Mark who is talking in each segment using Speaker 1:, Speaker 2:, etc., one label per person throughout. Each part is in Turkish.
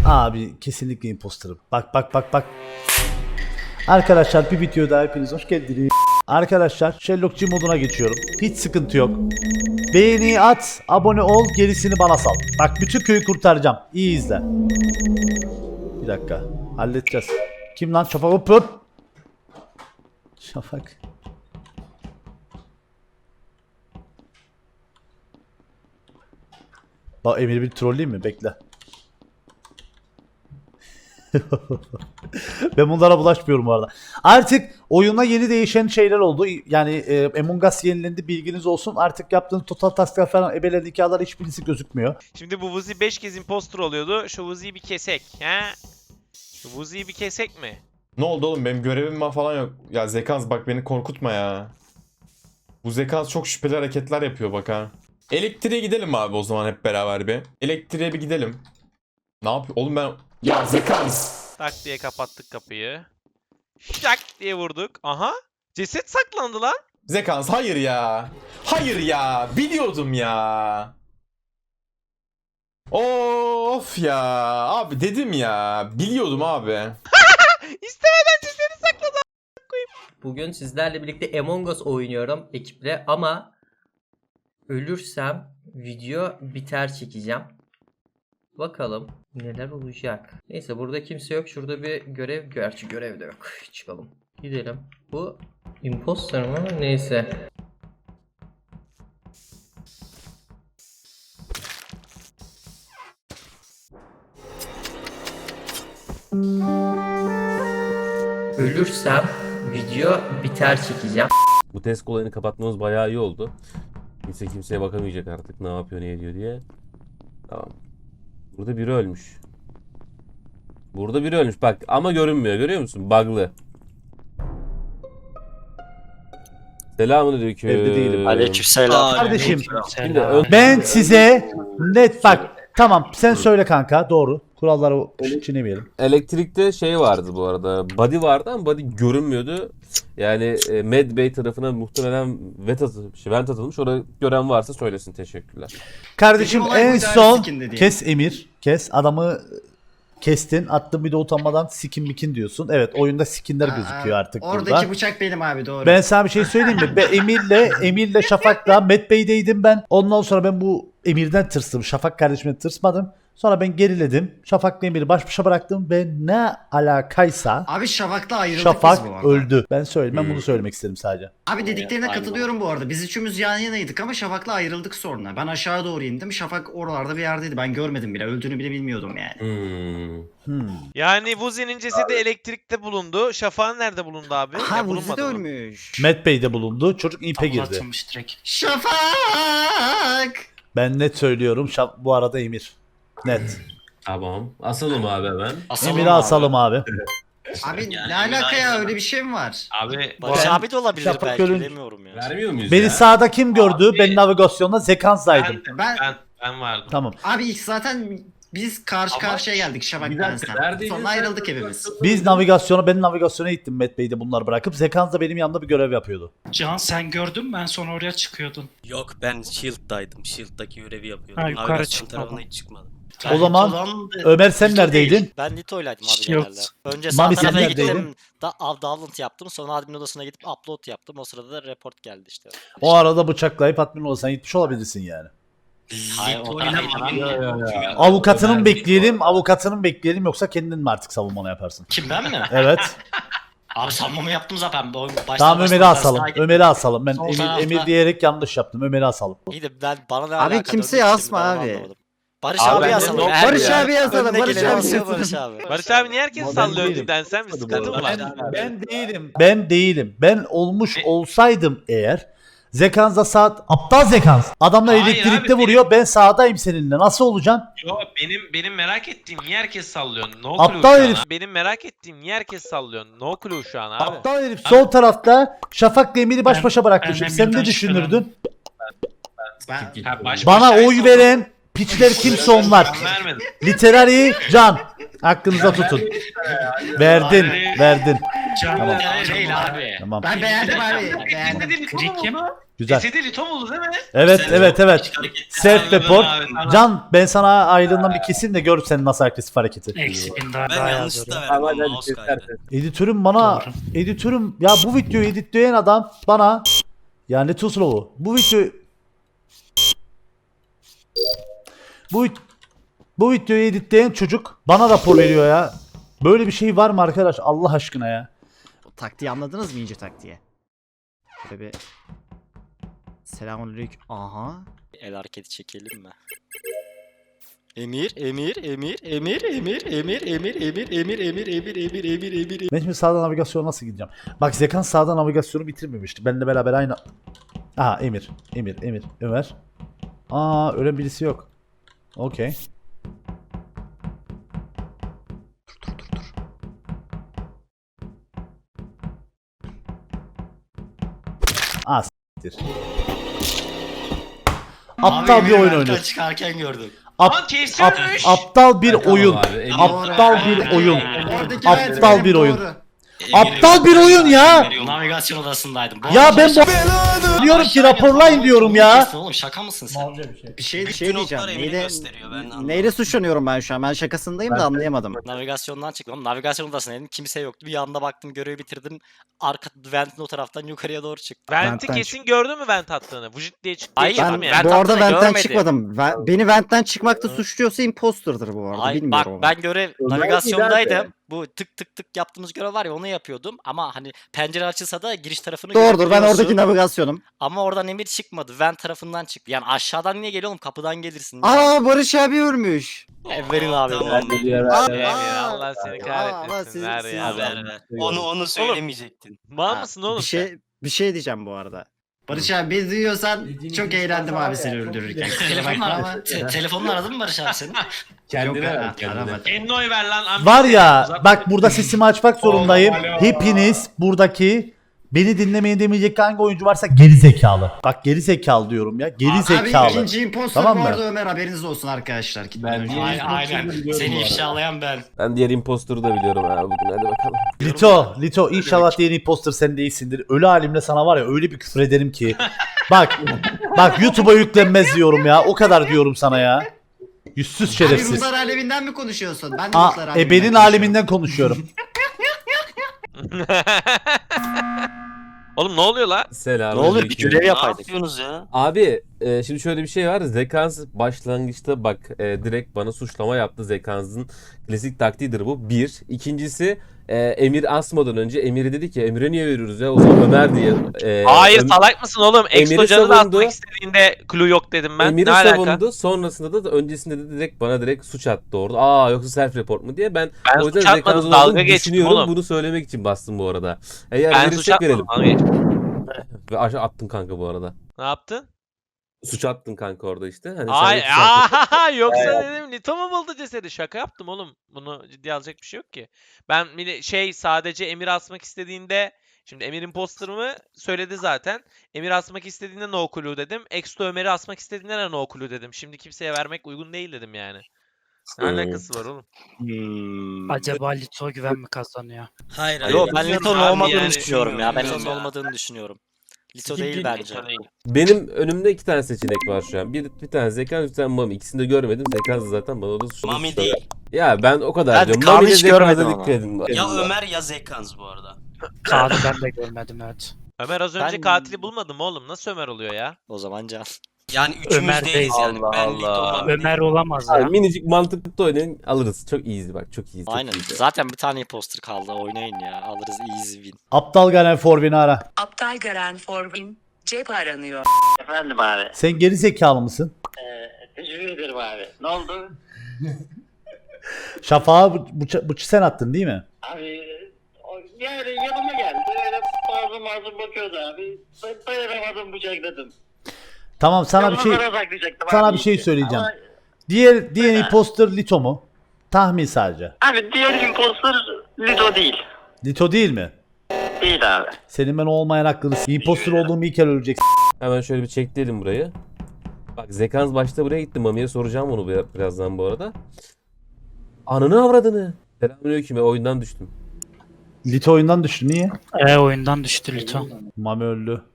Speaker 1: Abi kesinlikle imposterım. Bak. Arkadaşlar bir video daha hepiniz hoş geldiniz. Arkadaşlar Sherlockçı moduna geçiyorum. Hiç sıkıntı yok. Beğeni at, abone ol, gerisini bana sal. Bak bütün köyü kurtaracağım. İyi izle. Bir dakika. Halledeceğiz. Kim lan? Şafak hop hop. Şafak. Bak Emir bir trolleyeyim mi? Bekle. Ben bunlara bulaşmıyorum bu arada. Artık oyuna yeni değişen şeyler oldu. Yani Among Us yenilendi, bilginiz olsun. Artık yaptığınız total tasklar falan ebelen hikayeler hiçbirisi gözükmüyor.
Speaker 2: Şimdi bu Vuzi 5 kez imposter oluyordu. Şu Vuzi'yi bir kesek. He? Şu Vuzi'yi bir kesek mi?
Speaker 3: Ne oldu oğlum, benim görevim falan yok. Ya Zekans bak, beni korkutma ya. Bu Zekans çok şüpheli hareketler yapıyor bak ha. Elektriğe gidelim abi o zaman hep beraber bir. Elektriğe bir gidelim. Ne yapıyor oğlum ben... Ya Zekans!
Speaker 2: Tak diye kapattık kapıyı. Şak diye vurduk. Aha. Ceset saklandı lan.
Speaker 3: Zekans hayır ya. Hayır ya. Biliyordum ya. Of ya. Abi dedim ya. Biliyordum abi.
Speaker 2: İstemeden cesedi sakladı.
Speaker 4: Bugün sizlerle birlikte Among Us oynuyorum ekiple ama ölürsem video biter çekeceğim. Bakalım neler olacak. Neyse burada kimse yok. Şurada bir görev. Gerçi görev de yok. Çıkalım. Gidelim. Bu imposter mı? Neyse. Ölürsem video biter çekeceğim.
Speaker 5: Bu test olayını kapatmamız bayağı iyi oldu. Kimse kimseye bakamayacak artık ne yapıyor ne ediyor diye. Tamam. Burada biri ölmüş. Burada biri ölmüş bak ama görünmüyor, görüyor musun? Bug'lı. Selamünaleyküm.
Speaker 1: Evde değilim.
Speaker 6: Aleykümselam.
Speaker 1: Kardeşim
Speaker 5: Şimdi
Speaker 1: ben size net bak. Tamam sen söyle kanka, doğru. Kuralları çiğnemeyelim.
Speaker 5: elektrikte şey vardı bu arada. Body vardı ama body görünmüyordu. Yani Med Bey tarafına muhtemelen vent atılmış. Orada gören varsa söylesin, teşekkürler.
Speaker 1: Kardeşim
Speaker 6: Peki, olay
Speaker 1: en
Speaker 6: bu,
Speaker 1: son
Speaker 6: sikin dediğin.
Speaker 1: kes Emir. Kes adamı kestin. Attın bir de utanmadan sikin mikin diyorsun. Evet oyunda skinler gözüküyor artık
Speaker 6: Oradaki
Speaker 1: burada.
Speaker 6: bıçak benim abi, doğru.
Speaker 1: Ben sana bir şey söyleyeyim mi? Ben Emir'le Şafak'la Met Bey'deydim ben. Ondan sonra ben bu Emir'den tırstım. Şafak kardeşimden tırsmadım. Sonra ben geriledim. Şafak'la Emir'i baş başa bıraktım ve ne alakaysa
Speaker 6: Abi Şafak'la ayrıldık
Speaker 1: Şafak
Speaker 6: biz bu arada.
Speaker 1: öldü. Ben söyleyeyim. Ben bunu söylemek istedim sadece.
Speaker 6: Abi dediklerine katılıyorum bu arada. Biz üçümüz yan yanaydık ama Şafak'la ayrıldık sonra. Ben aşağı doğru indim. Şafak oralarda bir yerdeydi. Ben görmedim bile. Öldüğünü bile bilmiyordum yani.
Speaker 2: Yani Vuzi'nin cesedi elektrikte bulundu. Şafak'ın nerede bulundu abi?
Speaker 7: Ha
Speaker 2: Ya,
Speaker 7: Vuzi
Speaker 2: bulunmadı
Speaker 7: de
Speaker 2: mı?
Speaker 7: ölmüş.
Speaker 1: Met Bey'de bulundu. Çocuk ipe girdi.
Speaker 6: Şafak!
Speaker 1: Ben net söylüyorum. Bu arada Emir. Net.
Speaker 5: Tamam. Asalım abi hemen.
Speaker 1: Emir'i asalım abi.
Speaker 6: Abi ne alaka ya, öyle bir şey mi var?
Speaker 8: Abi
Speaker 7: Barış abi de olabilir
Speaker 1: Şafak
Speaker 7: belki,
Speaker 1: görün-
Speaker 7: bilemiyorum ya.
Speaker 5: Vermiyor muyuz
Speaker 1: Beni
Speaker 5: ya?
Speaker 1: sağda kim gördü? Ben navigasyonda Zekans'daydım.
Speaker 8: ben vardım.
Speaker 1: Tamam.
Speaker 6: Abi ilk zaten biz karşı karşıya geldik Şafak
Speaker 5: Bir dakika,
Speaker 6: bensen.
Speaker 5: neredeydin
Speaker 6: Sonra
Speaker 5: sen?
Speaker 6: ayrıldık hepimiz.
Speaker 1: Ben navigasyona gittim Met Bey'de bunları bırakıp. Zekans da benim yanımda bir görev yapıyordu.
Speaker 9: Can sen gördün mü? Ben sonra oraya çıkıyordun.
Speaker 7: Yok ben Shield'daydım. Shield'daki görevi yapıyordum.
Speaker 9: Ha, yukarı
Speaker 7: Navigasyon
Speaker 9: çıkmadım.
Speaker 7: tarafına hiç çıkmadım.
Speaker 1: O zaman Ömer sen
Speaker 7: Lito
Speaker 1: neredeydin?
Speaker 7: değil. Ben Lito'ylaydım abi
Speaker 9: Shield.
Speaker 7: genelde. Önce sağ
Speaker 1: Mami, sen
Speaker 7: tarafa
Speaker 1: neredeydin?
Speaker 7: gittim. Download yaptım. Sonra admin odasına gidip upload yaptım. O sırada da report geldi işte.
Speaker 1: O arada bıçaklayıp admin olsan gitmiş olabilirsin yani.
Speaker 7: Hayır, o da
Speaker 1: Avukatının bekleyelim yoksa kendin mi artık savunmanı yaparsın?
Speaker 9: Kim, ben mi?
Speaker 1: Evet.
Speaker 9: Abi sanmamı yaptım zaten.
Speaker 1: Tamam Ömer'i asalım. Ömer'i asalım. Ben
Speaker 9: Sol
Speaker 1: Emir,
Speaker 9: tarafta-
Speaker 1: Emir diyerek yanlış yaptım. Ömer'i asalım.
Speaker 7: İyi de ben bana ne
Speaker 6: Abi
Speaker 7: alaka
Speaker 6: kimseyi
Speaker 7: döndü,
Speaker 6: asma
Speaker 7: şimdi ben onu
Speaker 6: abi.
Speaker 7: anlamadım. Barış
Speaker 5: Abi
Speaker 7: abi
Speaker 5: ben
Speaker 7: asalım.
Speaker 5: de-
Speaker 7: Her
Speaker 6: Barış
Speaker 7: ya.
Speaker 6: abi asalım,
Speaker 7: Önüne
Speaker 6: Barış
Speaker 7: geleni
Speaker 6: abi
Speaker 7: asıyor
Speaker 6: asalım.
Speaker 7: Barış abi.
Speaker 2: Barış abi niye herkes
Speaker 1: Ben
Speaker 2: sallıyor
Speaker 1: değilim.
Speaker 2: cidden, sen mi sıkıntı mı var?
Speaker 1: Ben değilim. Ben olmuş olsaydım eğer Zekans'da saat aptal Zekans. Adamlar
Speaker 8: Hayır
Speaker 1: elektrikte
Speaker 8: abi,
Speaker 1: vuruyor. Ben sağdayım seninle. Nasıl olacaksın?
Speaker 8: Yo, benim merak ettiğim niye herkes sallıyor? No
Speaker 1: Aptal
Speaker 8: clue şu an
Speaker 1: herif.
Speaker 8: ha.
Speaker 2: Benim merak ettiğim niye herkes sallıyor? No clue şu an abi.
Speaker 1: Aptal herif sol tarafta Şafak'la Emir'i baş başa bıraktı.
Speaker 9: ben
Speaker 1: Şimdi sen ne
Speaker 9: Emir'den
Speaker 1: düşünürdün?
Speaker 6: Ben,
Speaker 8: Ha, baş
Speaker 1: Bana
Speaker 8: başa
Speaker 1: oy
Speaker 8: sallıyor.
Speaker 1: veren piçler kimse onlar.
Speaker 8: Ben vermedim.
Speaker 1: Literary Can. Aklınıza tutun. Verdin. Tamam.
Speaker 9: Değil abi.
Speaker 1: Tamam.
Speaker 6: Ben beğendim abi. Beğendim.
Speaker 8: Cesedi Lito mu
Speaker 9: Kim?
Speaker 8: buldu?
Speaker 1: Güzel.
Speaker 8: Cesedi Lito buldu değil mi?
Speaker 1: Evet evet evet. Self report.
Speaker 8: Anladım abi, tamam.
Speaker 1: Can ben sana aylığından bir keseyim de gör senin nasıl agresif hareketi.
Speaker 9: Eksi 1000 daha
Speaker 10: Ben yanlışlıkla verdim
Speaker 5: Ama
Speaker 10: ama
Speaker 5: hadi
Speaker 10: mouse
Speaker 5: kesersin.
Speaker 10: kaydı.
Speaker 1: Editörüm bana
Speaker 9: Doğru.
Speaker 1: editörüm ya bu videoyu editleyen adam bana yani too slow. Bu videoyu editleyen çocuk bana rapor veriyor ya. Böyle bir şey var mı arkadaş Allah aşkına ya?
Speaker 6: Taktiği anladınız mı ince taktiği? Şöyle bir selamünaleyküm. Aha.
Speaker 7: El hareketi çekelim mi? Emir, Emir, Emir, Emir, Emir, Emir, Emir, Emir, Emir, Emir, Emir, Emir, Emir, Emir.
Speaker 1: Ben şimdi sağdan navigasyona nasıl gideceğim? Bak Zekan sağdan navigasyonu bitirmemişti. Benimle beraber aynı... Aha Emir. Ömer. Aa öyle birisi yok. Okey. Aa s**tir. Aptal bir oyun oynuyorsun.
Speaker 9: Çıkarken gördüm.
Speaker 8: Lan kesiyormuş.
Speaker 1: Aptal bir oyun.
Speaker 5: Tamam abi, Emir.
Speaker 1: Aptal bir oyun.
Speaker 6: Oradaki
Speaker 1: Aptal
Speaker 6: vent
Speaker 1: bir
Speaker 6: benim,
Speaker 1: oyun.
Speaker 6: doğru.
Speaker 1: Aptal bir oyun ya.
Speaker 9: Navigasyon odasındaydım.
Speaker 1: Ya ben diyorum ki raporlayın diyorum ya.
Speaker 9: Oğlum şaka mısın sen?
Speaker 6: Bir şey
Speaker 10: Bütün
Speaker 6: diyeceğim.
Speaker 10: oklar Emir'i gösteriyor, ben anlamadım.
Speaker 6: Neyle suçlanıyorum ben şu an? Ben şakasındayım da anlayamadım.
Speaker 7: Navigasyondan çıktım. Navigasyon odasındaydım. Kimse yoktu. Bir anda baktım görevi bitirdim. Arka ventin o taraftan yukarıya doğru çıktım.
Speaker 2: Vent'i
Speaker 6: Vent'ten
Speaker 2: kesin gördün mü vent attığını? Vücut diye çıktı.
Speaker 7: Hayır,
Speaker 2: çıktım
Speaker 6: Ben
Speaker 2: yani.
Speaker 6: bu arada
Speaker 7: hattına
Speaker 6: ventten
Speaker 7: görmedim.
Speaker 6: çıkmadım. Beni ventten çıkmakta suçluyorsa imposter'dır bu arada.
Speaker 7: Ay, bak
Speaker 6: Bilmiyorum ama.
Speaker 7: ben görev navigasyondaydım. Bu tık tık tık yaptığımız görev var ya onu yapıyordum. Ama hani pencere açılsa da giriş tarafını
Speaker 6: Doğrudur ben
Speaker 7: görebiliyorsun.
Speaker 6: oradaki navigasyonum.
Speaker 7: Ama oradan emir çıkmadı. Vent tarafından çıktı. Yani aşağıdan niye geliyor oğlum? Kapıdan gelirsin.
Speaker 6: Aa Barış abi ölmüş.
Speaker 7: Verin abi.
Speaker 10: Tamam.
Speaker 2: Emir, Allah seni
Speaker 6: Aa,
Speaker 2: kahretmesin.
Speaker 6: siz-
Speaker 2: Ver
Speaker 6: siz-
Speaker 2: ya.
Speaker 10: Ver ver. Onu söylemeyecektin.
Speaker 2: Mal
Speaker 6: Ha,
Speaker 2: mısın oğlum
Speaker 6: bir şey diyeceğim bu arada. Barış abi beni duyuyorsan çok eğlendim abi seni öldürürken. Kusura bakma ama.
Speaker 9: Telefonla aradın mı Barış abi seni?
Speaker 5: Kendine
Speaker 6: Yok,
Speaker 5: ver, kendine.
Speaker 6: aramadım.
Speaker 8: Ennoy ver lan. amca.
Speaker 1: Var ya
Speaker 8: Uzatma.
Speaker 1: bak burada sesimi açmak zorundayım. Hepiniz buradaki beni dinlemeyin demeyecek hangi oyuncu varsa geri zekalı. Bak geri zekalı diyorum ya. Geri
Speaker 6: Abi
Speaker 1: zekalı.
Speaker 6: ikinci imposter
Speaker 1: Tamam
Speaker 6: bu
Speaker 1: mı?
Speaker 6: arada Ömer haberiniz olsun arkadaşlar.
Speaker 5: Ben diğer
Speaker 9: Aynen.
Speaker 5: imposter'ı biliyorum
Speaker 9: Seni
Speaker 5: bu arada.
Speaker 9: ifşalayan ben.
Speaker 5: Ben diğer imposter'ı da biliyorum ha bugün, hadi bakalım.
Speaker 1: Lito inşallah diğer imposter sen değilsindir. Ölü halimle sana var ya öyle bir küfür ederim ki. Bak YouTube'a yüklenmez diyorum ya. O kadar diyorum sana ya. Yüzsüz
Speaker 6: Abi
Speaker 1: şerefsiz.
Speaker 6: ruhlar aleminden mi konuşuyorsun? Ben de ruhlar aleminden
Speaker 1: Ebenin
Speaker 6: konuşuyorum.
Speaker 1: aleminden konuşuyorum.
Speaker 2: Oğlum ne oluyor la?
Speaker 5: Selam.
Speaker 7: Ne oluyor? Bir görev
Speaker 10: Ne
Speaker 7: yapaydık.
Speaker 10: yapıyorsunuz ya?
Speaker 5: Abi şimdi şöyle bir şey var. Zekans başlangıçta bak direkt bana suçlama yaptı. Zekans'ın klasik taktiğidir bu. Bir. İkincisi Emir asmadan önce Emir'e dedi ki Emir'e niye veriyoruz ya? O zaman Ömer diye.
Speaker 2: Hayır salak mısın oğlum?
Speaker 5: Emir'i
Speaker 2: Exocan'ı da
Speaker 5: savundu.
Speaker 2: atmak istediğinde clue yok dedim ben.
Speaker 5: Emir'i
Speaker 2: ne alaka?
Speaker 5: savundu. Sonrasında da öncesinde de direkt bana direkt suç attı orada. Aa yoksa self report mu diye. Ben
Speaker 2: Ben
Speaker 5: o yüzden
Speaker 2: suç atmadım,
Speaker 5: Zekans'ın
Speaker 2: dalga
Speaker 5: olduğunu
Speaker 2: geçtim
Speaker 5: düşünüyorum.
Speaker 2: oğlum.
Speaker 5: Bunu söylemek için bastım bu arada. Eğer
Speaker 2: Ben suç
Speaker 5: verirsek
Speaker 2: atmadım.
Speaker 5: verelim.
Speaker 2: dalga geçtim.
Speaker 5: Ve aşağı attın kanka bu arada.
Speaker 2: Ne yaptın?
Speaker 5: Suç attın kanka orada işte. Hani
Speaker 2: Ay,
Speaker 5: sen de suç attın.
Speaker 2: yoksa dedim Lito mu buldu cesedi? Şaka yaptım oğlum. Bunu ciddiye alacak bir şey yok ki. Ben bir de sadece Emir asmak istediğinde şimdi Emir imposter mı söyledi zaten. Emir asmak istediğinde no clue dedim. Exto Ömer'i asmak istediğinde de no clue dedim. Şimdi kimseye vermek uygun değil dedim yani. Ne alakası var oğlum?
Speaker 9: Acaba Lito güven mi kazanıyor?
Speaker 10: Hayır hayır.
Speaker 7: Yok ben
Speaker 2: bilmiyorum
Speaker 7: Lito'nun
Speaker 2: abi
Speaker 7: olmadığını
Speaker 2: yani.
Speaker 7: düşünüyorum ya. Ben
Speaker 10: Bilmiyorum
Speaker 7: Lito'nun
Speaker 10: ya.
Speaker 7: olmadığını düşünüyorum. Lito değil bence.
Speaker 5: Benim önümde iki tane seçenek var şu an. Bir tane Zekans, bir tane Mami. İkisini de görmedim. Zekans zaten bana da suçladı.
Speaker 10: Mami değil.
Speaker 5: Ya ben o kadar
Speaker 7: Ben
Speaker 5: diyorum.
Speaker 7: Kaan'ı
Speaker 5: Mami ile
Speaker 7: hiç
Speaker 5: Zekans'a
Speaker 7: görmedim
Speaker 5: dikkat
Speaker 7: ama.
Speaker 5: edin.
Speaker 10: Ya Ömer ya Zekans bu arada.
Speaker 9: Kaan'ı ben de görmedim evet.
Speaker 2: Ömer az önce
Speaker 7: Ben-
Speaker 2: katili bulmadı mı oğlum? Nasıl Ömer oluyor ya?
Speaker 7: O zaman Can.
Speaker 10: Yani üçümüz
Speaker 9: Ömer
Speaker 10: değiliz
Speaker 9: değil.
Speaker 10: yani. Ben Lito Mami.
Speaker 9: Ömer olamaz
Speaker 5: Abi,
Speaker 9: ya.
Speaker 5: minicik mantıklı oynayın alırız. Çok easy bak, çok easy. çok
Speaker 7: Aynen.
Speaker 5: easy.
Speaker 7: Zaten bir tane imposter kaldı. Oynayın ya. Alırız easy win.
Speaker 1: Aptal Garen Forvin'i ara.
Speaker 11: Aptal Garen Forvin, cep aranıyor.
Speaker 6: Efendim abi.
Speaker 1: Sen geri zekalı mısın?
Speaker 6: Teşekkür ederim abi. Ne oldu?
Speaker 1: Şafağı bıçı sen attın değil mi?
Speaker 6: Abi yani yanıma geldi. Öyle mazlum bakıyordu abi. Dayanamadım bıçakladım.
Speaker 1: Tamam sana bir şey sana bir şey söyleyeceğim. Diğer imposter Lito mu? Tahmin sadece.
Speaker 6: Abi diğer imposter Lido değil.
Speaker 1: Lito değil mi?
Speaker 6: Değil abi.
Speaker 1: Senin ben olmayan hakkını imposter olduğumu ilk kere öleceksin.
Speaker 5: Hemen şöyle bir çekleyelim burayı. Bak Zekans başta buraya gitti. Mami'ye soracağım onu birazdan bu arada. Ananı avradını. Selamünaleyküm, oyundan düştüm.
Speaker 1: Lito oyundan düştü. Niye?
Speaker 9: Oyundan düştü Lito.
Speaker 1: Mami öldü.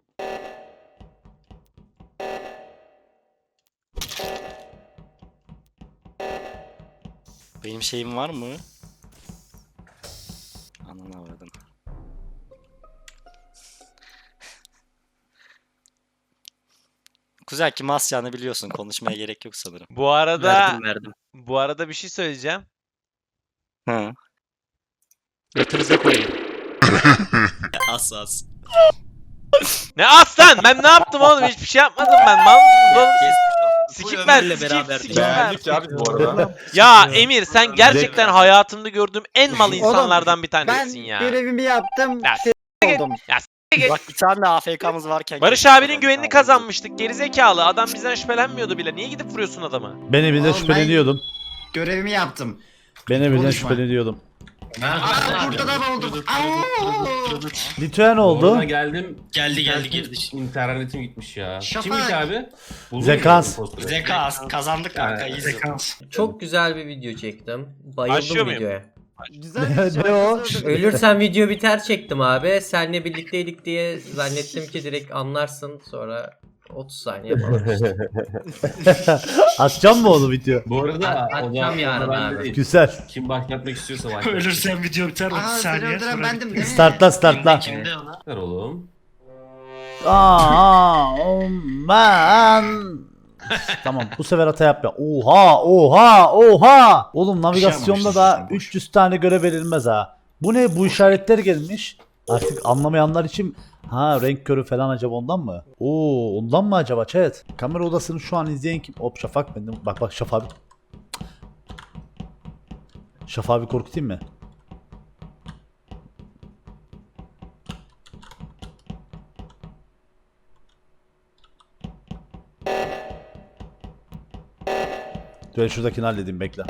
Speaker 7: Benim şeyim var mı? Ananı avradım. Kuzen kim asacağını biliyorsun. Konuşmaya gerek yok sanırım.
Speaker 2: Bu arada
Speaker 10: Verdim.
Speaker 2: bu arada bir şey söyleyeceğim.
Speaker 7: Hı.
Speaker 10: Götünüze koyun. As.
Speaker 2: Ne aslan? Ben ne yaptım oğlum? Hiçbir şey yapmadım ben. Mal mısınız oğlum siz? Sikip ben,
Speaker 10: Ömer'le
Speaker 2: sikip,
Speaker 10: beraberdik.
Speaker 2: sikip ben.
Speaker 3: Beğendik ya biz bu arada.
Speaker 2: Ya Emir sen gerçekten hayatımda gördüğüm en mal insanlardan bir tanesisin ya.
Speaker 6: görevimi yaptım.
Speaker 2: Ya
Speaker 6: oldum.
Speaker 7: Bak bir tane de AFK'mız varken.
Speaker 2: Barış abinin güvenini kazanmıştık. Gerizekalı. Adam bizden şüphelenmiyordu bile. Niye gidip vuruyorsun adamı?
Speaker 1: Ben evinden
Speaker 6: Oğlum,
Speaker 1: şüpheleniyordum.
Speaker 6: Görevimi yaptım.
Speaker 1: Ben evinden
Speaker 6: Konuşma.
Speaker 1: şüpheleniyordum.
Speaker 6: Burada da oldum.
Speaker 1: Lito'ya ne oldu?
Speaker 5: Orada geldim.
Speaker 10: Geldi girdi.
Speaker 5: İnternetim gitmiş ya.
Speaker 6: Şafak.
Speaker 5: Kimmiş abi? Buldun
Speaker 1: Zekans.
Speaker 5: mu impostörü?
Speaker 10: Zeka kazandık kanka. iyi
Speaker 4: Çok güzel bir video çektim. Bayıldım
Speaker 2: Başlıyor muyum?
Speaker 4: videoya.
Speaker 1: Ne o?
Speaker 4: Ölürsem video biter çektim abi. Seninle birlikteydik diye zannettim ki direkt anlarsın. Sonra 30 saniye falan işte.
Speaker 1: Atacağım mı onu video?
Speaker 5: Bu arada
Speaker 4: Atacağım yarın
Speaker 5: bende
Speaker 4: abi.
Speaker 5: değil.
Speaker 1: Güzel.
Speaker 5: Kim başlatmak istiyorsa başlat.
Speaker 9: Ölürsen video biter 30
Speaker 6: Seni öldüren bendim değil mi?
Speaker 1: Startla.
Speaker 10: Kimde ona?
Speaker 5: Ver oğlum.
Speaker 1: Man. Tamam bu sefer hata yapma. Oha. Oğlum navigasyonda da 300 tane görev verilmez ha. Bu ne? Bu işaretler gelmiş. Artık anlamayanlar için renk körü falan acaba ondan mı? Ondan mı acaba chat? Kamera odasını şu an izleyen kim? Hop Şafak bendim. Bak Şafak abi. Şafak abi korkutayım mı? Ben şuradakini halledeyim bekle.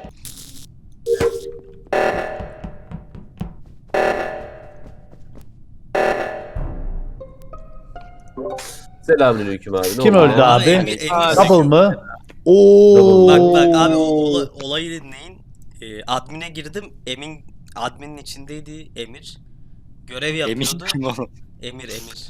Speaker 5: Selamünaleyküm abi. Ne
Speaker 1: Kim
Speaker 5: oldu?
Speaker 1: öldü abi?
Speaker 10: Emir
Speaker 1: Double mı? Oo.
Speaker 10: Bak abi olayı dinleyin. Admin'e girdim. Admin'in içindeydi Emir. Görev yapıyordu.
Speaker 7: Emin ol.
Speaker 10: Emir.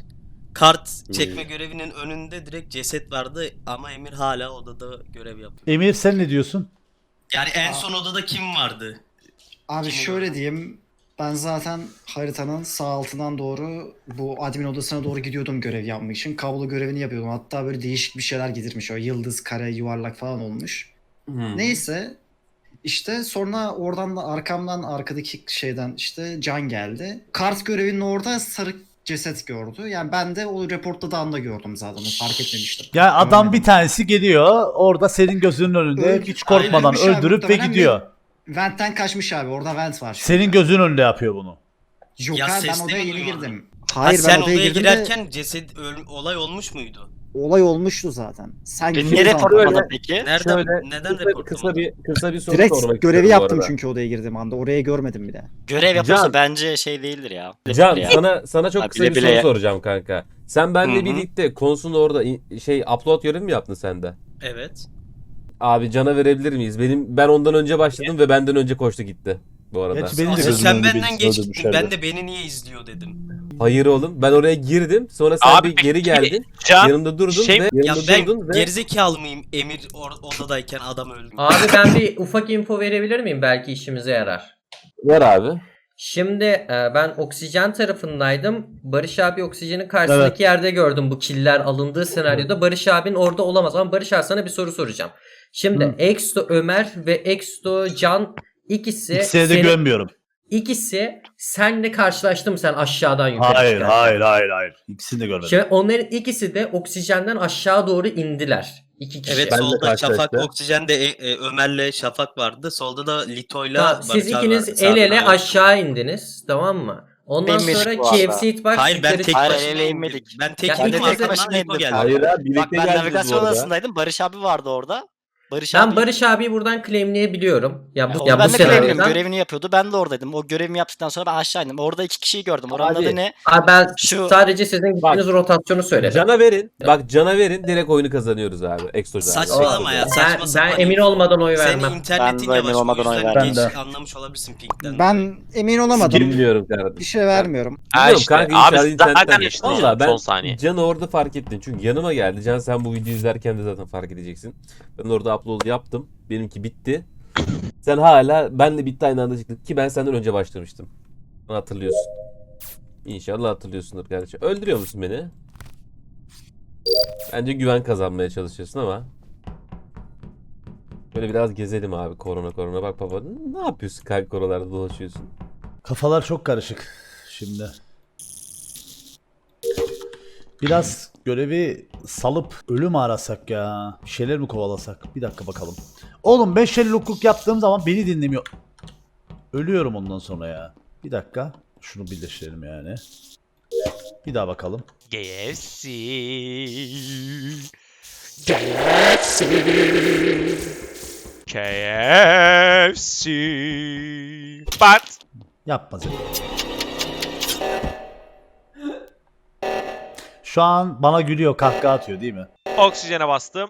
Speaker 10: Kart çekme görevinin önünde direkt ceset vardı ama Emir hala odada görev yapıyor.
Speaker 1: Emir sen ne diyorsun?
Speaker 10: Yani en son odada kim vardı?
Speaker 6: Abi
Speaker 10: Kim
Speaker 6: şöyle
Speaker 10: oldu?
Speaker 6: diyeyim. Ben zaten haritanın sağ altından doğru bu admin odasına doğru gidiyordum görev yapmak için. Kablo görevini yapıyordum. Hatta böyle değişik bir şeyler getirmiş. O yıldız, kare, yuvarlak falan olmuş. Neyse. İşte sonra oradan da arkamdan arkadaki şeyden işte Can geldi. Kart görevinin orada sarı ceset gördü. Yani ben de o reportladığı anda gördüm zaten. Onu fark etmemiştim.
Speaker 1: Ya adam
Speaker 6: Görmedim.
Speaker 1: bir tanesi geliyor. Orada senin gözünün önünde hiç korkmadan
Speaker 6: Öldürmüş abi,
Speaker 1: öldürüp ve
Speaker 6: muhtemelen
Speaker 1: gidiyor.
Speaker 6: Vent'ten kaçmış abi. Orada vent var.
Speaker 1: Senin gözünün önünde yapıyor bunu.
Speaker 6: Yok
Speaker 10: Ya
Speaker 6: abi ben
Speaker 10: sesleri
Speaker 6: odaya yeni
Speaker 10: duymadım.
Speaker 6: girdim.
Speaker 10: Hayır, sen odaya girerken olay olmuş muydu?
Speaker 6: Olay olmuştu zaten. Sen
Speaker 7: Beni
Speaker 6: gidiyorsun
Speaker 7: niye
Speaker 6: zaten.
Speaker 7: reportlamadın peki?
Speaker 10: Neden report
Speaker 5: Kısa bir soru sormak
Speaker 6: Direkt
Speaker 5: istiyorum
Speaker 6: görevi
Speaker 5: bu
Speaker 6: yaptım
Speaker 5: arada.
Speaker 6: çünkü odaya girdiğim anda. Orayı görmedim bile.
Speaker 7: Görev yapıyorsa
Speaker 5: Can.
Speaker 7: bence şey değildir ya.
Speaker 5: Can
Speaker 7: Ya.
Speaker 5: sana çok
Speaker 7: Ha,
Speaker 5: kısa
Speaker 7: bile
Speaker 5: bir
Speaker 7: bile
Speaker 5: soru
Speaker 7: ya.
Speaker 5: soracağım kanka. Sen benle
Speaker 7: Hı hı.
Speaker 5: birlikte konusunda orada upload görevi mi yaptın sen de?
Speaker 10: Evet.
Speaker 5: Abi Can'a verebilir miyiz? Ben ondan önce başladım ve benden önce koştu gitti bu arada.
Speaker 1: Gerçi benim de
Speaker 10: Asıl
Speaker 1: gözümün
Speaker 10: sen
Speaker 1: önünde
Speaker 10: benden
Speaker 1: birisini
Speaker 10: geç gittin.
Speaker 1: öldürmüşlerdi.
Speaker 10: Ben de beni niye izliyor dedim.
Speaker 5: Hayır oğlum ben oraya girdim sonra sen
Speaker 2: Abi
Speaker 5: bir geri geldin.
Speaker 2: Can
Speaker 5: Yanımda durdun
Speaker 2: şey-
Speaker 5: ve
Speaker 10: Ya
Speaker 5: yanımda
Speaker 10: ben
Speaker 5: durdun ve
Speaker 10: gerizekalı mıyım Emir odadayken adam öldü.
Speaker 4: Abi ben bir ufak info verebilir miyim? Belki işimize yarar.
Speaker 5: ver abi.
Speaker 4: Şimdi ben oksijen tarafındaydım. Barış abi oksijenin karşısındaki yerde gördüm bu killer alındığı senaryoda. Barış abinin orada olamaz ama Barış abi sana bir soru soracağım. Şimdi Exto Ömer ve Exto Can ikisi
Speaker 1: İkisine de
Speaker 4: senin-
Speaker 1: güvenmiyorum.
Speaker 4: İkisi senle karşılaştı mı sen aşağıdan yukarı çıkarken?
Speaker 1: Hayır. İkisini de görmedim.
Speaker 4: Şimdi onların ikisi de oksijenden aşağı doğru indiler. İki kişi.
Speaker 10: Evet
Speaker 5: Ben de
Speaker 10: solda
Speaker 5: karşılaştım.
Speaker 10: Şafak Oksijen'de Ömer'le Şafak vardı. Solda da Lito'yla
Speaker 4: Tamam, siz
Speaker 10: Barış abi
Speaker 4: ikiniz
Speaker 10: vardı.
Speaker 4: el ele
Speaker 10: Sağdan abi.
Speaker 4: aşağı indiniz, tamam mı? Ondan
Speaker 7: Benim
Speaker 4: sonra
Speaker 7: bu arada.
Speaker 4: KFC Hitbox
Speaker 10: Hayır ben
Speaker 4: yukarı
Speaker 10: tek
Speaker 7: Hayır,
Speaker 10: başına
Speaker 7: el ele inmedik.
Speaker 10: Ben
Speaker 4: Ya
Speaker 10: tek
Speaker 4: ikiniz de
Speaker 10: arkadan
Speaker 7: başına
Speaker 10: Lito
Speaker 7: indim.
Speaker 10: geldi.
Speaker 5: Hayır abi birlikte
Speaker 7: Bak ben
Speaker 5: geldiniz
Speaker 7: navigasyon
Speaker 5: bu arada.
Speaker 7: odasındaydım. Barış abi vardı orada. Barış
Speaker 4: Ben
Speaker 7: abi.
Speaker 4: Barış abiyi buradan claimleyebiliyorum. Ya bu,
Speaker 7: Onu
Speaker 4: ya bu
Speaker 7: ben de claimledim.
Speaker 4: senaryodan.
Speaker 7: Görevini yapıyordu. Ben de oradaydım. O görevimi yaptıktan sonra ben aşağı indim. Orada 2 kişiyi gördüm. Oranın
Speaker 5: Abi.
Speaker 7: adı ne?
Speaker 4: Abi ben
Speaker 7: Şu-
Speaker 4: sadece sizin gittiğiniz rotasyonu söyledim.
Speaker 5: Cana verin. Bak cana verin. Direkt oyunu kazanıyoruz abi. Exocan.
Speaker 10: Saçmalama ya, saçma
Speaker 4: Ben
Speaker 10: sapan.
Speaker 4: emin olmadan oy
Speaker 10: Senin
Speaker 4: vermem.
Speaker 10: internetin
Speaker 7: Ben de
Speaker 10: yavaş,
Speaker 7: emin
Speaker 10: o
Speaker 7: olmadan oy
Speaker 10: yüzden
Speaker 7: vermem.
Speaker 10: geç anlamış olabilirsin ping'den.
Speaker 6: Ben emin olamadım.
Speaker 5: Bilmiyorum kardeşim.
Speaker 6: Bir şey vermiyorum.
Speaker 5: Biliyorum kanka, inşallah internetten
Speaker 2: zaten
Speaker 5: geç.
Speaker 2: işte
Speaker 5: Valla ben
Speaker 2: son saniye.
Speaker 5: Can'ı orada fark ettim. Çünkü yanıma geldi. Can sen bu videoyu izlerken de zaten fark edeceksin. Ben orada upload yaptım. Benimki bitti. Sen hala benle bitti aynı anda çıktık ki ben senden önce başlamıştım. Onu hatırlıyorsun. İnşallah hatırlıyorsundur kardeşim. Öldürüyor musun beni? Bence güven kazanmaya çalışıyorsun ama. Böyle biraz gezelim abi, korona bak baba. Ne yapıyorsun kanka, koralarda dolaşıyorsun?
Speaker 1: Kafalar çok karışık şimdi. Biraz görevi salıp ölü mü arasak ya? Bir şeyler mi kovalasak? Bir dakika bakalım. Oğlum ben Sherlock'luk yaptığım zaman beni dinlemiyor. Ölüyorum ondan sonra ya. Bir dakika. Şunu birleştirelim yani. Bir daha bakalım.
Speaker 2: KFC. KFC. Pat.
Speaker 1: Yapma Zeki. Şu an bana gülüyor, kahkaha atıyor değil mi?
Speaker 2: Oksijene bastım.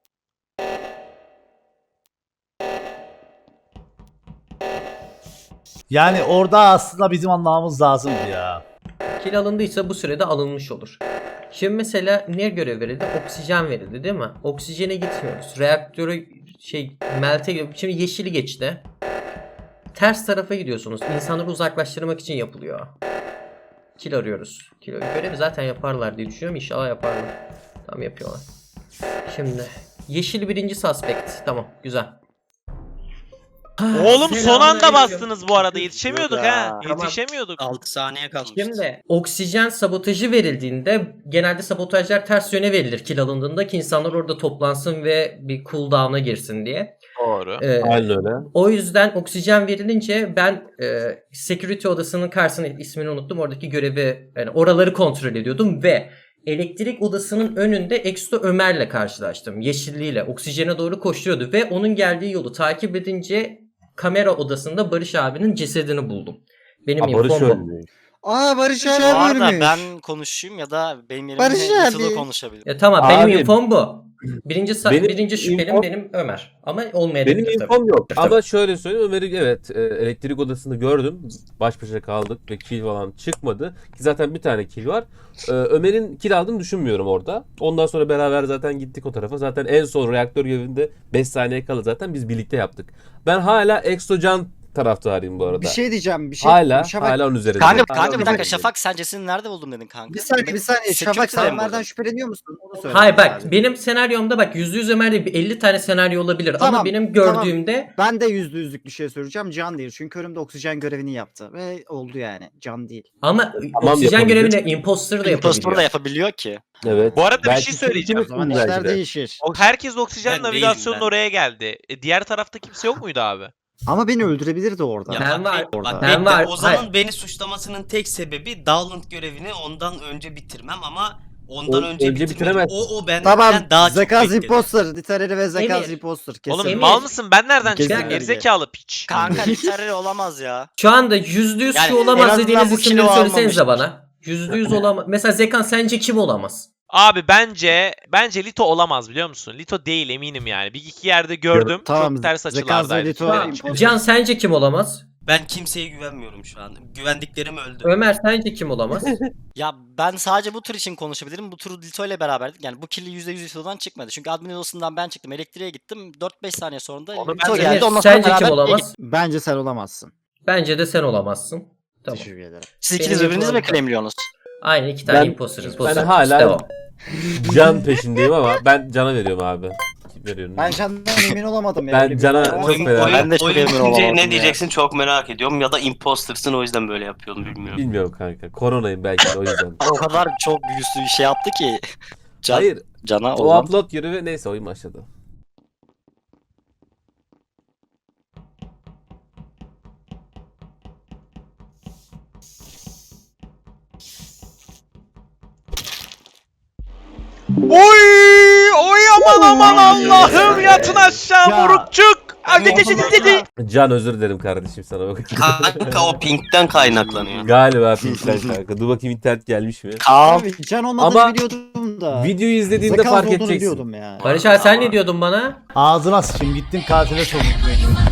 Speaker 1: Yani orada aslında bizim anlamamız lazımdı ya.
Speaker 4: Kill alındıysa bu sürede alınmış olur. Şimdi mesela ne görev verildi? Oksijen verildi değil mi? Oksijene gitmiyoruz. Reaktörü melte, şimdi yeşili geçti. Ters tarafa gidiyorsunuz. İnsanları uzaklaştırmak için yapılıyor. Kill arıyoruz. Görevi zaten yaparlar diye düşünüyorum. İnşallah yaparlar. Tamam, yapıyorlar. Şimdi yeşil birinci suspect. Tamam, güzel.
Speaker 2: Oğlum son anda
Speaker 4: Selamünaleyküm.
Speaker 2: bastınız bu arada. Yetişemiyorduk ha.
Speaker 4: Tamam.
Speaker 2: Yetişemiyorduk.
Speaker 10: 6 saniye kalmıştı.
Speaker 4: Şimdi oksijen sabotajı verildiğinde genelde sabotajlar ters yöne verilir kill alındığında ki insanlar orada toplansın ve bir cooldown'a girsin diye.
Speaker 2: Doğru.
Speaker 5: Aynen öyle.
Speaker 4: O yüzden oksijen verilince ben security odasının karşısına, ismini unuttum, oradaki görevi, yani oraları kontrol ediyordum ve elektrik odasının önünde Exto Ömer'le karşılaştım. Yeşilliyle oksijene doğru koşuyordu ve onun geldiği yolu takip edince kamera odasında Barış abinin cesedini buldum. Benim
Speaker 5: Barış
Speaker 4: infom bu.
Speaker 5: ölmüyor.
Speaker 6: Aa Barış
Speaker 7: Bu
Speaker 6: abi
Speaker 7: arada
Speaker 6: ölmüş.
Speaker 7: ben konuşayım ya da benim
Speaker 6: Barış
Speaker 7: yerimde
Speaker 6: abi.
Speaker 7: Lito konuşabilir.
Speaker 4: Tamam,
Speaker 5: Abi,
Speaker 4: benim infom bu.
Speaker 5: benim
Speaker 4: Birinci şüphelim
Speaker 5: infom-
Speaker 4: benim Ömer. Ama olmayabilir
Speaker 5: Benim
Speaker 4: tabii.
Speaker 5: infom yok.
Speaker 4: Tabii.
Speaker 5: Ama şöyle söyleyeyim, Ömer'i evet elektrik odasında gördüm. Baş başa kaldık ve kill falan çıkmadı. Ki zaten bir tane kill var. Ömer'in kill aldığını düşünmüyorum orada. Ondan sonra beraber zaten gittik o tarafa. Zaten en son reaktör görevinde 5 saniye kala zaten biz birlikte yaptık. Ben hala Exocan taraftarıyım bu arada.
Speaker 6: Bir şey diyeceğim. Bir şey.
Speaker 5: hala
Speaker 6: Şafak,
Speaker 5: onun üzerinde.
Speaker 7: Kanka bir
Speaker 6: bir
Speaker 7: dakika, Şafak sen cesedini nerede buldun dedin kanka?
Speaker 6: bir saniye.
Speaker 7: Security'de
Speaker 6: Şafak
Speaker 7: mi
Speaker 6: sen
Speaker 7: buldun?
Speaker 6: Ömer'den şüpheleniyor musun? Onu söyle.
Speaker 4: Hayır bak,
Speaker 6: Abi.
Speaker 4: benim senaryomda bak %100 Ömer değil, bir 50 tane senaryo olabilir ama
Speaker 6: Tamam,
Speaker 4: benim gördüğümde
Speaker 6: Ben de %100'lük bir şey söyleyeceğim. Can değil. Çünkü önümde oksijen görevini yaptı. Ve oldu yani. Can değil.
Speaker 4: ama
Speaker 5: Tamam,
Speaker 4: oksijen
Speaker 5: yapabilir.
Speaker 4: görevini imposter da
Speaker 7: Impostor
Speaker 4: yapabiliyor.
Speaker 7: da yapabiliyor ki.
Speaker 5: Evet.
Speaker 2: Bu arada bir
Speaker 5: Belki
Speaker 2: şey söyleyeceğim.
Speaker 6: O zaman
Speaker 5: belki
Speaker 6: işler
Speaker 5: de.
Speaker 6: değişir.
Speaker 2: Herkes oksijen
Speaker 10: Ben değilim
Speaker 2: navigasyonun
Speaker 10: ben.
Speaker 2: oraya geldi. Diğer tarafta kimse yok muydu abi?
Speaker 6: Ama beni öldürebilirdi orada.
Speaker 10: Ya
Speaker 4: Ben
Speaker 10: bak,
Speaker 4: var-
Speaker 10: bak,
Speaker 4: ben
Speaker 10: bekle.
Speaker 4: var-
Speaker 10: Ozan'ın
Speaker 4: hayır.
Speaker 10: beni suçlamasının tek sebebi Dowland görevini ondan önce bitirmem ama ondan önce
Speaker 5: önce
Speaker 10: bitirmedim.
Speaker 5: bitiremezsin.
Speaker 10: O benden
Speaker 6: Tamam.
Speaker 10: daha çok
Speaker 6: Zekaz
Speaker 10: bekledi.
Speaker 6: imposter. Literary ve Zekaz
Speaker 4: Emir.
Speaker 6: imposter. Kesin.
Speaker 2: Oğlum
Speaker 4: Emir.
Speaker 2: mal mısın? Ben nereden
Speaker 6: Kesin
Speaker 2: çıktım?
Speaker 6: öyle.
Speaker 2: Gerizekalı piç.
Speaker 7: Kanka literary olamaz ya.
Speaker 4: Şu anda %100
Speaker 7: Yani
Speaker 4: şu
Speaker 7: en
Speaker 4: olamaz
Speaker 7: azından
Speaker 4: dediğiniz
Speaker 7: bu
Speaker 4: isimleri
Speaker 7: kilo
Speaker 4: söylesenize
Speaker 7: almamıştır.
Speaker 4: bana. %100 olamaz. Mesela Zekan sence kim olamaz?
Speaker 2: Abi bence Lito olamaz biliyor musun? Lito değil eminim yani. Bir iki yerde gördüm.
Speaker 6: Tamam,
Speaker 2: Çok ters
Speaker 6: Zekaz ve
Speaker 2: açılardaydı.
Speaker 6: Lito.
Speaker 2: Çünkü.
Speaker 6: imposter.
Speaker 4: Can sence kim olamaz?
Speaker 10: Ben kimseye güvenmiyorum şu an. Güvendiklerim öldü.
Speaker 4: Ömer sence kim olamaz?
Speaker 7: Ya ben sadece bu tur için konuşabilirim. Bu turu Lito ile beraberdik. Yani bu killi %100 Lito'dan çıkmadı. Çünkü admin odasından ben çıktım. Elektriğe gittim. 4-5 saniye sonra da Lito
Speaker 4: Emir,
Speaker 7: geldi. Ondan sonra
Speaker 4: sence kim
Speaker 7: beraber
Speaker 4: olamaz?
Speaker 6: Bence sen olamazsın.
Speaker 4: Bence de sen olamazsın. Tamam.
Speaker 6: Teşekkür ederim.
Speaker 7: Siz ikiniz
Speaker 4: Benim
Speaker 7: birbirinizi mi
Speaker 4: yapılan-
Speaker 7: claimliyorsunuz?
Speaker 4: Aynen, iki tane
Speaker 5: Ben-
Speaker 4: imposter.
Speaker 5: ben hala-
Speaker 4: Devam.
Speaker 5: Can peşindeyim ama ben Can'a veriyorum abi. Kim veriyorum?
Speaker 6: Ben Can'dan emin olamadım ya.
Speaker 5: Ben
Speaker 6: Öyle bir-
Speaker 5: Can'a
Speaker 6: Ama-
Speaker 5: çok fena.
Speaker 7: Ben de çok
Speaker 10: oyun
Speaker 7: emin
Speaker 10: bitince
Speaker 7: olamadım
Speaker 10: ne
Speaker 7: ya.
Speaker 10: diyeceksin çok merak ediyorum ya da impostersın o yüzden böyle yapıyorum bilmiyorum.
Speaker 5: Bilmiyorum kanka. Koronayım belki de o yüzden.
Speaker 7: O kadar çok yüzlü bir şey yaptı ki.
Speaker 5: Hayır.
Speaker 7: Can'a
Speaker 5: O
Speaker 7: olan.
Speaker 5: upload görevi neyse oyun başladı.
Speaker 2: Oy! Oy aman Allah'ım yatın aşağı
Speaker 1: Ya.
Speaker 2: morukçuk.
Speaker 5: Can özür dilerim kardeşim sana bak.
Speaker 10: Kanka o pinkten kaynaklanıyor.
Speaker 5: Galiba pinkten kanka. Dur bakayım internet gelmiş mi?
Speaker 6: Abi can olmadığını
Speaker 5: Ama
Speaker 6: biliyordum da.
Speaker 5: Videoyu izlediğinde
Speaker 6: Zekans
Speaker 5: fark
Speaker 6: olduğunu
Speaker 5: edeceksin.
Speaker 6: biliyordum ya.
Speaker 4: Barış abi sen ne diyordun bana?
Speaker 1: Ağzına sıçayım gittin katile sokmuş beni.